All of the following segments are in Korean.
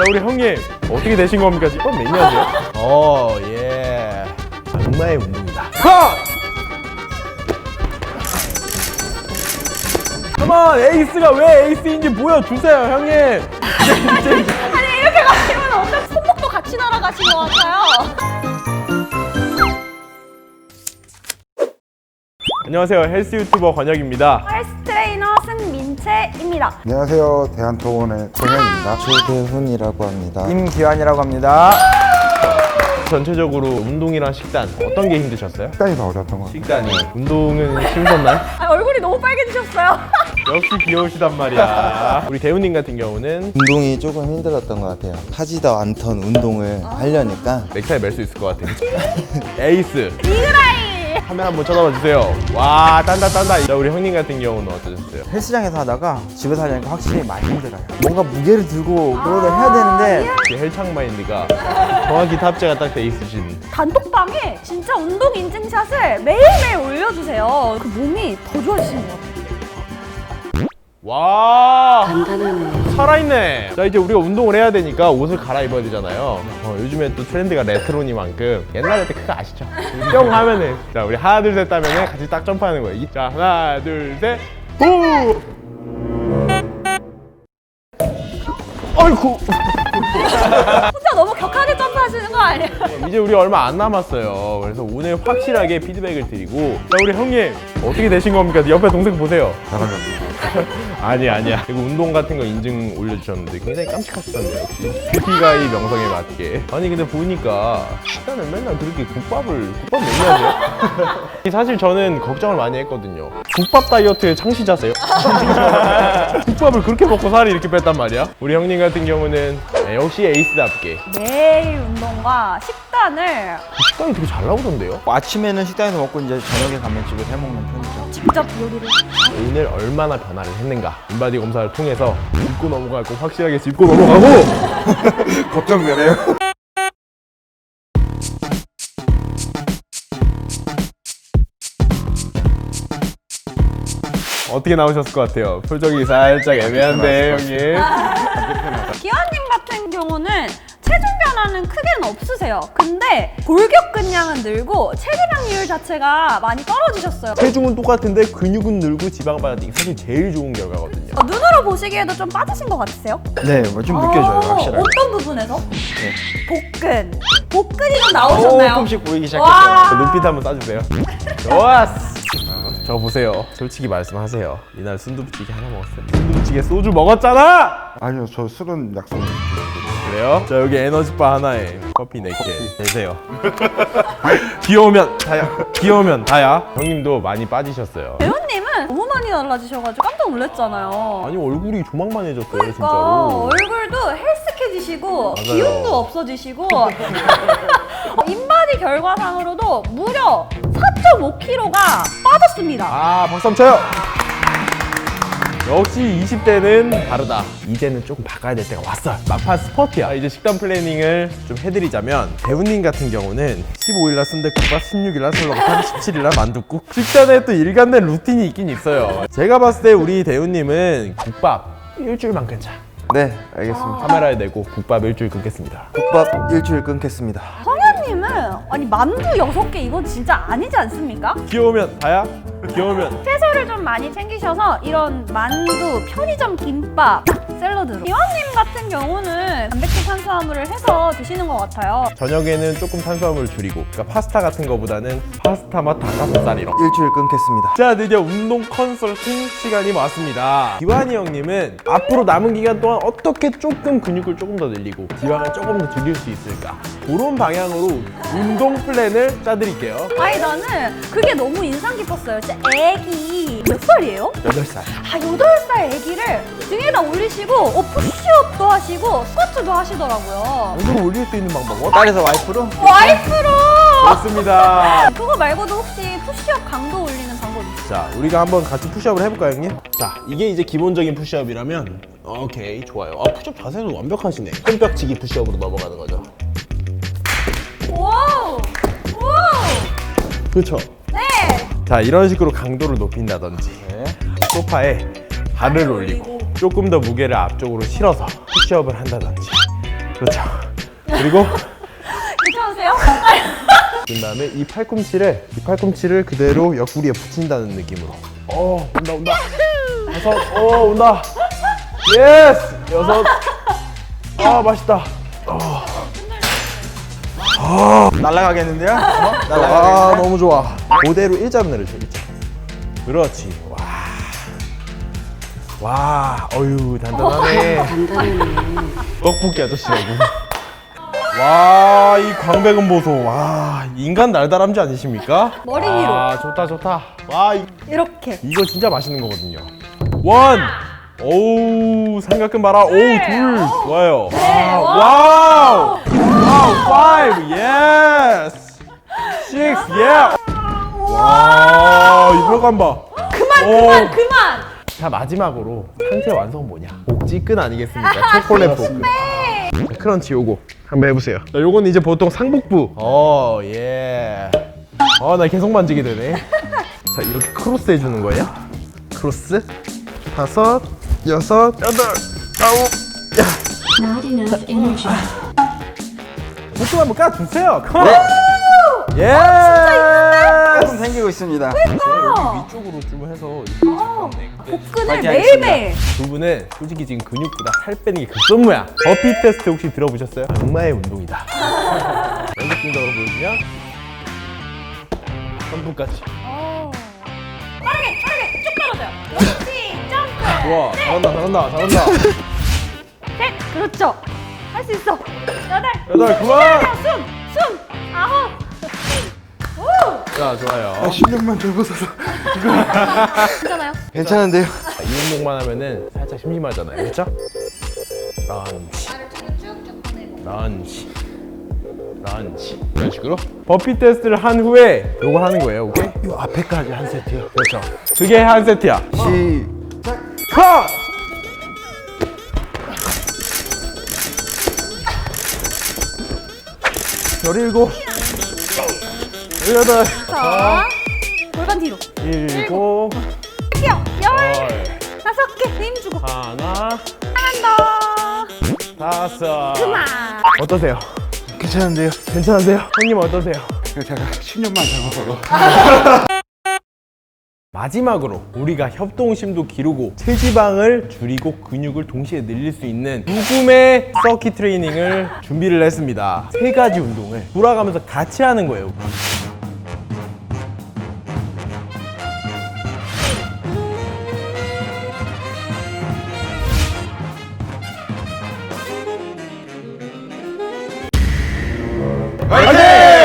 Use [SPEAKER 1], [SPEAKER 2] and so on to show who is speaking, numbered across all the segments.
[SPEAKER 1] 우리 형님 어떻게 되신 겁니까? 이건 매니아세요? 예. 악마의 운동이다. 컴온! 에이스가 왜 에이스인지 보여주세요, 형님.
[SPEAKER 2] 아니 이렇게 가시면 어떤 손목도 같이 날아가신 것 같아요.
[SPEAKER 1] 안녕하세요, 헬스 유튜버 권혁입니다.
[SPEAKER 2] 헬스 트레이너 승민채입니다.
[SPEAKER 3] 안녕하세요. 대한토원의 정현입니다.
[SPEAKER 4] 조대훈이라고 합니다.
[SPEAKER 3] 임기환이라고 합니다.
[SPEAKER 1] 전체적으로 운동이랑 식단 어떤 게 힘드셨어요?
[SPEAKER 3] 식단이 더 어려웠던 것 같아요.
[SPEAKER 1] 식단이. 운동은 힘들었나요?
[SPEAKER 2] 아, 얼굴이 너무 빨개지셨어요.
[SPEAKER 1] 역시 귀여우시단 말이야. 우리 대훈님 같은 경우는
[SPEAKER 4] 운동이 조금 힘들었던 것 같아요. 하지도 않던 운동을 하려니까
[SPEAKER 1] 넥타이 멜 수 있을 것 같아요. 에이스.
[SPEAKER 2] 이그라이.
[SPEAKER 1] 카메라 한번 쳐다봐 주세요. 와, 딴다. 자, 우리 형님 같은 경우는 어떠셨어요?
[SPEAKER 5] 헬스장에서 하다가 집에서 하려니까 확실히 많이 힘들어요. 뭔가 무게를 들고 그러다 해야 되는데
[SPEAKER 1] 이 헬창 마인드가 정확히 탑재가 딱 돼 있으신.
[SPEAKER 2] 단톡방에 진짜 운동 인증샷을 매일매일 올려주세요. 그 몸이 더 좋아지시는 것 같아요.
[SPEAKER 1] 와, 단단하네. 살아있네. 자, 이제 우리가 운동을 해야 되니까 옷을 갈아입어야 되잖아요. 요즘에 또 트렌드가 레트로니만큼 옛날에 그거 아시죠? 뿅 하면은, 자, 우리 하나 둘 셋 따면은 같이 딱 점프하는 거예요. 자, 하나 둘 셋, 후! 아이쿠.
[SPEAKER 2] 혼자 너무 격하게 점프하시는 거 아니에요?
[SPEAKER 1] 이제 우리 얼마 안 남았어요. 그래서 오늘 확실하게 피드백을 드리고. 자, 우리 형님 어떻게 되신 겁니까? 옆에 동생 보세요. 아니야. 그리고 운동 같은 거 인증 올려주셨는데 굉장히 깜찍하셨던데요. 역시 뷰티가이 명성에 맞게. 아니 근데 보니까 식단을 맨날 그렇게 국밥 매니아세요? 사실 저는 걱정을 많이 했거든요. 국밥 다이어트의 창시자세요? 국밥을 그렇게 먹고 살이 이렇게 뺐단 말이야? 우리 형님 같은 경우는 역시 에이스답게
[SPEAKER 2] 매일 운동과 식단을
[SPEAKER 1] 식단이 되게 잘 나오던데요?
[SPEAKER 5] 아침에는 식당에서 먹고 이제 저녁에 가면 집에서 해먹는 편이죠.
[SPEAKER 2] 직접 요리를.
[SPEAKER 1] 오늘 얼마나 변화를 했는가 인바디 검사를 통해서 짚고 넘어갈 거 확실하게 짚고 넘어가고.
[SPEAKER 3] 걱정되네요.
[SPEAKER 1] 어떻게 나오셨을 것 같아요? 표정이 살짝 애매한데 형님.
[SPEAKER 2] 기환님 같은 경우는 체중 변화는 크게는 없으세요. 근데 골격근량은 늘고 체지방률 자체가 많이 떨어지셨어요.
[SPEAKER 1] 체중은 똑같은데 근육은 늘고 지방 빠지기 사실 제일 좋은 결과거든요.
[SPEAKER 2] 눈으로 보시기에도 좀 빠지신 것 같으세요?
[SPEAKER 5] 네, 뭐 좀 느껴져요, 확실하게.
[SPEAKER 2] 어떤 부분에서? 복근이 좀 나오셨나요?
[SPEAKER 5] 조금씩 보이기
[SPEAKER 2] 와.
[SPEAKER 5] 시작했어요.
[SPEAKER 1] 눈빛 한번 따주세요. 좋았어. 저 보세요. 솔직히 말씀하세요. 이날 순두부찌개 하나 먹었어요. 순두부찌개 소주 먹었잖아.
[SPEAKER 3] 아니요, 저 술은 약속.
[SPEAKER 1] 그래요? 자, 여기 에너지바 하나에 커피 4개 되세요. 귀여우면 다야. 형님도 많이 빠지셨어요.
[SPEAKER 2] 배우님은 너무 많이 달라지셔가지고 깜짝 놀랐잖아요.
[SPEAKER 1] 아니 얼굴이 조망만해졌어요.
[SPEAKER 2] 그러니까
[SPEAKER 1] 진짜로.
[SPEAKER 2] 얼굴도 헬스케지시고
[SPEAKER 1] 맞아요.
[SPEAKER 2] 기운도 없어지시고 인바디 결과상으로도 무려 4.5kg가 빠졌습니다.
[SPEAKER 1] 아, 박수 한번 쳐요. 역시 20대는 다르다. 이제는 조금 바꿔야 될 때가 왔어요. 막판 스퍼트야. 이제 식단 플래닝을 좀 해드리자면 대훈님 같은 경우는 15일날 순댓국밥, 16일날 설렁탕, 17일날 만둣국. 식단에 또 일관된 루틴이 있긴 있어요. 제가 봤을 때 우리 대훈님은 국밥 일주일만 끊자.
[SPEAKER 4] 네, 알겠습니다.
[SPEAKER 1] 카메라에 대고 국밥 일주일 끊겠습니다.
[SPEAKER 4] 국밥 일주일 끊겠습니다.
[SPEAKER 2] 성현님은 아니 만두 6개 이건 진짜 아니지 않습니까?
[SPEAKER 1] 귀여우면 다야? 귀여우면.
[SPEAKER 2] 채소를 좀 많이 챙기셔서 이런 만두, 편의점 김밥, 샐러드. 기환님 같은 경우는 단백질 탄수화물을 해서 드시는 것 같아요.
[SPEAKER 1] 저녁에는 조금 탄수화물 줄이고, 그러니까 파스타 같은 거보다는 파스타 맛 닭가슴살이랑.
[SPEAKER 4] 일주일 끊겠습니다.
[SPEAKER 1] 자, 드디어 운동 컨설팅 시간이 왔습니다. 기환이 형님은 앞으로 남은 기간 동안 어떻게 조금 근육을 조금 더 늘리고 지방을 조금 더 줄일 수 있을까, 그런 방향으로 운동 플랜을 짜드릴게요.
[SPEAKER 2] 아니 나는 그게 너무 인상 깊었어요. 진짜 애기 몇 살이에요?
[SPEAKER 1] 8살.
[SPEAKER 2] 아 8살 애기를 등에다 올리시고 푸시업도 하시고 스쿼트도 하시더라고요.
[SPEAKER 1] 운동을 올릴 수 있는 방법
[SPEAKER 5] 딸에서 와이프로?
[SPEAKER 2] 와이프로!
[SPEAKER 1] 좋습니다.
[SPEAKER 2] 그거 말고도 혹시 푸시업 강도 올리는 방법 있어요?
[SPEAKER 1] 자, 우리가 한번 같이 푸시업을 해볼까요, 형님? 자, 이게 이제 기본적인 푸시업이라면 오케이, 좋아요. 푸시업 자세는 완벽하시네. 손뼉치기 푸시업으로 넘어가는 거죠.
[SPEAKER 2] 와우! 와우!
[SPEAKER 1] 그렇죠.
[SPEAKER 2] 네!
[SPEAKER 1] 자, 이런 식으로 강도를 높인다든지, 소파에 발을 올리고 조금 더 무게를 앞쪽으로 실어서 푸시업을 한다든지, 그렇죠. 그리고
[SPEAKER 2] 괜찮으세요?
[SPEAKER 1] 그 다음에 이 팔꿈치를 그대로 옆구리에 붙인다는 느낌으로. 온다. 5, 온다. 예스! 6. 맛있다.
[SPEAKER 5] 날아가겠는데요?
[SPEAKER 1] 너무 좋아. 그대로 일자분해를 줘, 일자. 그렇지. 와, 어휴, 단단하네. 떡볶이 아저씨라고. 와, 이 광배근 보소. 와, 인간 날다람쥐 아니십니까?
[SPEAKER 2] 머리 위로.
[SPEAKER 1] 좋다. 와,
[SPEAKER 2] 이렇게.
[SPEAKER 1] 이거 진짜 맛있는 거거든요. 1. 오우, 삼각근 봐라. 오우, 2. 좋아요. 와우. 5. 예스. 6. 예. 와, 이 혈관 봐.
[SPEAKER 2] 그만.
[SPEAKER 1] 자, 마지막으로 상태 완성 뭐냐? 복지근 아니겠습니까? 초콜릿 볶음. 크런치 요거 한번 해보세요. 자, 요건 이제 보통 상복부. 예. 나 계속 만지게 되네. 자, 이렇게 크로스 해주는 거예요. 크로스. 5, 6, 8, 9.
[SPEAKER 6] Not enough energy.
[SPEAKER 1] 보통 한번 까주세요. 컴온. 예.
[SPEAKER 5] 조금 생기고 있습니다.
[SPEAKER 1] 위쪽으로 좀 해서
[SPEAKER 2] 복근을
[SPEAKER 5] 파이팅
[SPEAKER 2] 매일매일.
[SPEAKER 1] 두 분은 솔직히 지금 근육보다 살 빼는 게 급선무야. 버피 테스트 혹시 들어보셨어요? 악마의 운동이다. 연속동작으로 보여주면 3분까지.
[SPEAKER 2] 빠르게 쭉 떨어져요. 그렇지. 점프.
[SPEAKER 1] 우와, 잘한다.
[SPEAKER 2] 셋. 그렇죠. 할 수 있어. 8.
[SPEAKER 1] 8, 그만!
[SPEAKER 2] 숨. 9. 오.
[SPEAKER 1] 자, 좋아요.
[SPEAKER 3] 10년만 젊어서서.
[SPEAKER 2] 괜찮아요?
[SPEAKER 4] 괜찮은데요?
[SPEAKER 1] 이 운동만 하면은 살짝 심심하잖아요. 그렇죠? 런치. 이런 식으로 버피 테스트를 한 후에 요걸 하는 거예요. 오케이? 요 앞에까지 한 세트요. 그렇죠. 그게 한 세트야. 시작. 컷! 열일곱. 18.
[SPEAKER 2] 자. 골반 뒤로.
[SPEAKER 1] 7.
[SPEAKER 2] 뛰어. 15개. 힘 주고.
[SPEAKER 1] 하나.
[SPEAKER 2] 한다.
[SPEAKER 1] 5.
[SPEAKER 2] 그만.
[SPEAKER 1] 어떠세요?
[SPEAKER 3] 괜찮은데요?
[SPEAKER 1] 괜찮으세요? 형님 어떠세요?
[SPEAKER 3] 제가 10년만 젊어서.
[SPEAKER 1] 마지막으로 우리가 협동심도 기르고 체지방을 줄이고 근육을 동시에 늘릴 수 있는 죽음의 서킷 트레이닝을 준비를 했습니다. 3가지 운동을 돌아가면서 같이 하는 거예요. 화이팅!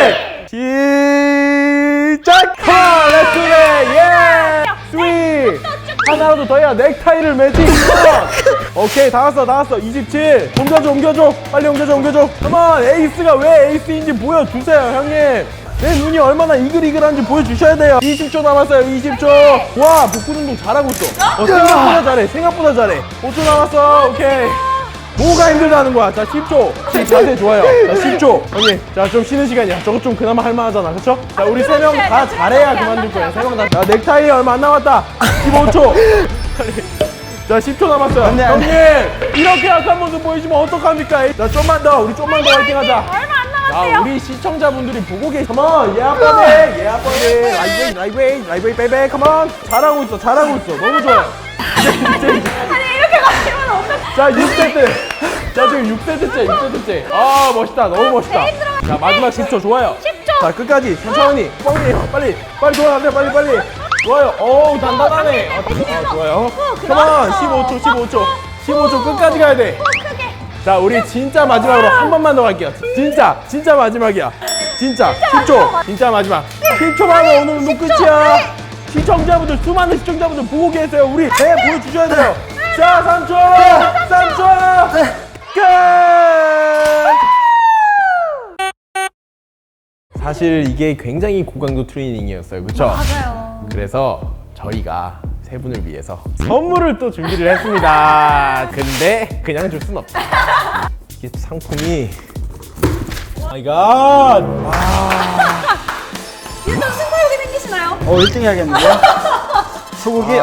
[SPEAKER 1] 시작! 렛츠 예! 스윗! 하나라도 더 해야 넥타이를 매지! 오케이, 다 왔어. 27. 옮겨줘. 빨리 옮겨줘. 컴온! 에이스가 왜 에이스인지 보여주세요, 형님. 내 눈이 얼마나 이글이글한지 보여주셔야 돼요. 20초 남았어요, 20초. 와, 복근 운동 잘하고 있어. 생각보다 잘해. 5초 남았어, 오케이. 뭐가 힘들다는 거야. 자, 10초. 자세 좋아요. 자, 10초. 형님, 자, 좀 쉬는 시간이야. 저거 좀 그나마 할만하잖아. 그쵸? 자, 우리 3명 다 잘해야 그만둘 거야. 3명 다. 자, 넥타이 얼마 안 남았다. 15초. 자, 10초 남았어요. 형님, 이렇게 약한 모습 보여주면 어떡합니까? 자, 좀만 더. 우리 좀만 더 화이팅 하자.
[SPEAKER 2] 얼마 안
[SPEAKER 1] 자,
[SPEAKER 2] 남았대요.
[SPEAKER 1] 우리 시청자분들이 보고 계시. 컴온, 아빠네. 라이브웨이, 베이베. 컴온. 잘하고 있어. 너무 좋아요.
[SPEAKER 2] 아니 이렇게 가시면 어떡해.
[SPEAKER 1] 자, 6세트. 자, 지금 6세트째. 아, 멋있다. 너무 멋있다. 자, 마지막 10초. 좋아요.
[SPEAKER 2] 10초.
[SPEAKER 1] 자, 끝까지. 천천히. 뻥이에요. 빨리 돌아가세요. 빨리. 좋아요. 어우, 단단하네. 좋아요. 컴온. 15초. 끝까지 가야 돼.
[SPEAKER 2] 크게.
[SPEAKER 1] 자, 우리 진짜 마지막으로 한 번만 더 갈게요. 진짜 마지막이야. 진짜 10초. 진짜 마지막. 10초만 하면 오늘 운동 끝이야. 수많은 시청자분들 보고 계세요. 우리 배 보여주셔야 돼요. 자, 3초. 끝. 사실 이게 굉장히 고강도 트레이닝이었어요. 그쵸?
[SPEAKER 2] 맞아요.
[SPEAKER 1] 그래서 저희가 세 분을 위해서 선물을 또 준비를 했습니다. 근데 그냥 줄 순 없다. 이게 상품이 마이 갓!
[SPEAKER 2] 일단 승부욕이 생기시나요?
[SPEAKER 5] 1등 해야겠는데요? 소고기?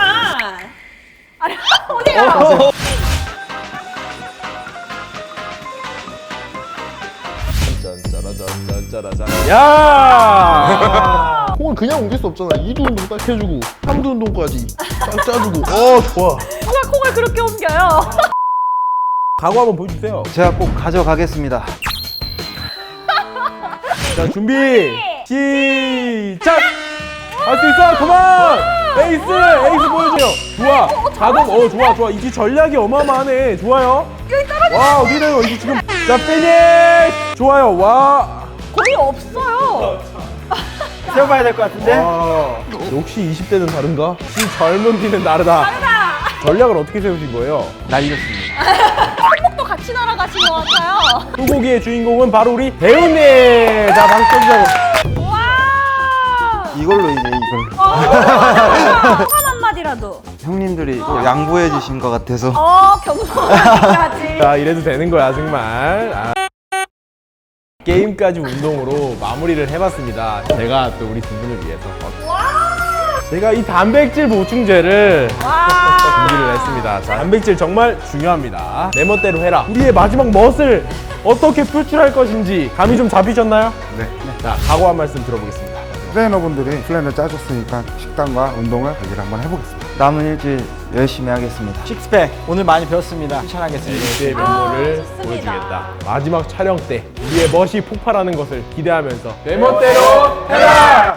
[SPEAKER 2] 아니 어디가?
[SPEAKER 1] 짜라짠. 야!
[SPEAKER 3] 콩을 그냥 옮길 수 없잖아. 2두 운동 딱 해주고 3두 운동까지 딱 짜주고. 좋아.
[SPEAKER 2] 누가 콩을 그렇게 옮겨요?
[SPEAKER 1] 각오 한번 보여주세요.
[SPEAKER 5] 제가 꼭 가져가겠습니다.
[SPEAKER 1] 자, 준비 시작. 할 수 있어. 그만. 에이스 보여줘요. 좋아. 자동. 좋아. 이게 전략이 어마어마하네. 좋아요. 와, 어디래요? 이게 지금. 자, 피니쉬. 좋아요. 와.
[SPEAKER 2] 거의 없어요.
[SPEAKER 5] 세워봐야 될 것 같은데?
[SPEAKER 1] 와. 역시 20대는 다른가? 이 젊은 피는 다르다. 전략을 어떻게 세우신 거예요?
[SPEAKER 5] 날렸습니다.
[SPEAKER 2] 또 같이 날아가신 것 같아요.
[SPEAKER 1] 소고기의 주인공은 바로 우리 대훈님. 자, 박수 쳐주자고.
[SPEAKER 2] 와.
[SPEAKER 5] 이걸로 이제 이걸
[SPEAKER 2] 소감 한마디라도.
[SPEAKER 4] 형님들이 또 양보해 주신 것 같아서
[SPEAKER 2] 겸손하지.
[SPEAKER 1] 자, 이래도 되는 거야 정말. 게임까지 운동으로 마무리를 해봤습니다. 제가 또 우리 두 분을 위해서 제가 이 단백질 보충제를 준비를 했습니다. 자, 단백질 정말 중요합니다. 내 멋대로 해라. 우리의 마지막 멋을 어떻게 표출할 것인지 감이 좀 잡히셨나요?
[SPEAKER 3] 네.
[SPEAKER 1] 자, 각오 한 말씀 들어보겠습니다.
[SPEAKER 3] 트레이너분들이 플랜을 짜줬으니까 식단과 운동을 관리를 한번 해보겠습니다.
[SPEAKER 5] 남은 일주일 열심히 하겠습니다. 식스팩 오늘 많이 배웠습니다. 추천하겠습니다.
[SPEAKER 1] 우리의 면모를
[SPEAKER 2] 좋습니다.
[SPEAKER 1] 보여주겠다. 마지막 촬영 때 우리의 멋이 폭발하는 것을 기대하면서 내 멋대로 해라!